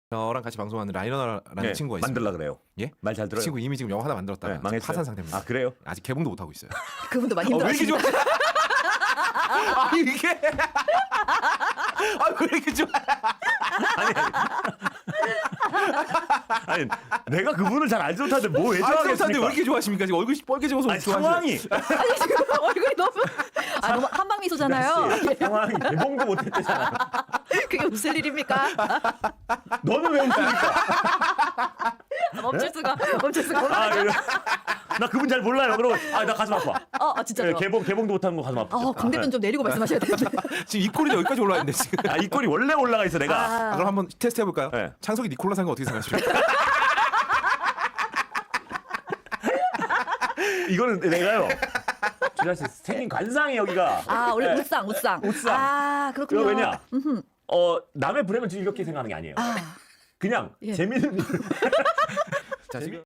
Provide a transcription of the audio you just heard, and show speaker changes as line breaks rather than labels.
저랑 같이 방송하는 라이너라는 친구가 있습니다.
만들라 그래요.
예?
말 잘 들어요.
그 친구 이미 지금 영화 하나 만들었다가
네, 망했어요?
파산 상태입니다.
아 그래요?
아직 개봉도 못 하고 있어요.
그분도 많이
왜 이렇게 좋아?
힘들었습니다.
아 이게 왜 이렇게 좋아?
아니 내가 그분을 잘 알지 못하는데 뭐 왜
아, 왜
좋아하겠습니까?
이렇게 좋아하십니까? 지금 얼굴이 뻘개져서
아니 상황이
아니 지금 얼굴이 너무 너무 한방 미소잖아요.
상황이 개봉도 못했대잖아.
그게 무슨 일입니까?
너는 왜 웃습니까?
멈출 수가 멈출 수가.
아, 나 그분 잘 몰라요. 그러면 나 가슴 아파.
진짜요.
개봉도 못하는 거 가슴 아파.
광대뼈 좀 내리고 말씀하셔야 되는데.
지금 이 꼴이 여기까지 올라와 있는데 지금.
이 꼴이 원래 올라가 있어 내가.
그럼 한번 테스트 해볼까요?
네.
창석이 니콜라 산 거 어떻게 생각하십니까?
이거는 내가요. 주자 씨 생긴 관상이 여기가.
원래
네.
웃상.
웃상.
그렇군요.
그거 왜냐? 남의 불행을 즐겁게 생각하는 게 아니에요. 그냥
예.
재밌는.
자 지금.